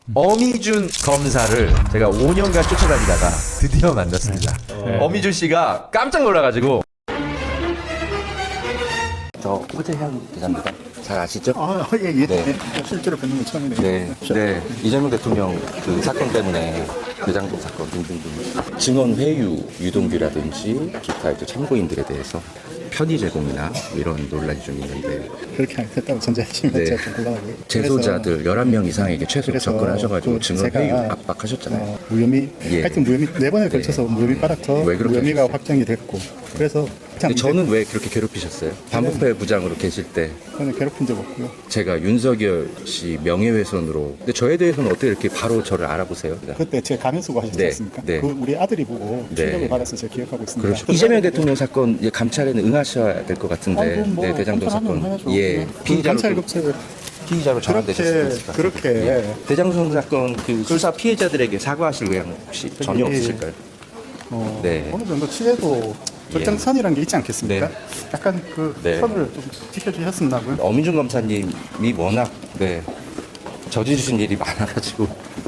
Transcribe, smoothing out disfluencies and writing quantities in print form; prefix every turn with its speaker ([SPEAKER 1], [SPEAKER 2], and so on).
[SPEAKER 1] 어미준 검사를 제가 5년간 쫓아다니다가 드디어 만났습니다. 어미준 씨가 깜짝 놀라가지고 저 호재현 기자입니다. 잘 아시죠?
[SPEAKER 2] 예.
[SPEAKER 1] 네.
[SPEAKER 2] 실제로 뵙는 건 처음이네요.
[SPEAKER 1] 네. 이재명 대통령 그 사건 때문에 대장동 사건 등등등 증언 회유 유동규라든지 기타 이제 참고인들에 대해서 편의 제공이나 이런 논란이 좀 있는데
[SPEAKER 2] 그렇게 안 했다고 전제하시면
[SPEAKER 1] 네.
[SPEAKER 2] 제가 좀 곤란하고요.
[SPEAKER 1] 재소자들 11명 이상에게 최소
[SPEAKER 2] 그래서
[SPEAKER 1] 접근하셔가지고
[SPEAKER 2] 그
[SPEAKER 1] 증언
[SPEAKER 2] 제가
[SPEAKER 1] 회유 압박하셨잖아요.
[SPEAKER 2] 무혐의,
[SPEAKER 1] 예.
[SPEAKER 2] 하여튼 무혐의, 4번에 걸쳐서 무혐의 빨아터
[SPEAKER 1] 왜 그렇게
[SPEAKER 2] 무혐의가
[SPEAKER 1] 하셨어요?
[SPEAKER 2] 확정이 됐고, 그래서
[SPEAKER 1] 근데 저는 왜 그렇게 괴롭히셨어요? 반부패 부장으로 계실 때
[SPEAKER 2] 저는 괴롭힌 적 없고요.
[SPEAKER 1] 제가 윤석열 씨 명예훼손으로 근데 저에 대해서는 어떻게 이렇게 바로 저를 알아보세요?
[SPEAKER 2] 그때 제가 가면 쓰고 하셨지
[SPEAKER 1] 네,
[SPEAKER 2] 않습니까?
[SPEAKER 1] 네.
[SPEAKER 2] 그 우리 아들이 보고
[SPEAKER 1] 네.
[SPEAKER 2] 충격을 받아서 제가 기억하고 있습니다.
[SPEAKER 1] 그렇죠. 이재명 대통령 사건 이제 감찰에는 응하셔야 될 것 같은데
[SPEAKER 2] 아이고, 뭐
[SPEAKER 1] 네, 대장동
[SPEAKER 2] 감찰하면
[SPEAKER 1] 사건
[SPEAKER 2] 해야죠.
[SPEAKER 1] 예
[SPEAKER 2] 그
[SPEAKER 1] 피의자로
[SPEAKER 2] 감찰
[SPEAKER 1] 좀-
[SPEAKER 2] 급제
[SPEAKER 1] 피의자로 전환되셨을 것 같아요.
[SPEAKER 2] 그렇게
[SPEAKER 1] 대장동 사건 그 수사 피해자들에게 사과하실 의향 혹시 전혀
[SPEAKER 2] 예.
[SPEAKER 1] 없으실까요? 네.
[SPEAKER 2] 어느 정도 취해도 적정선이라는 게 있지 않겠습니까?
[SPEAKER 1] 네.
[SPEAKER 2] 약간 그
[SPEAKER 1] 네.
[SPEAKER 2] 선을 좀 지켜주셨으면 하고요.
[SPEAKER 1] 어민준 검사님이 워낙 네 저지르신 일이 많아가지고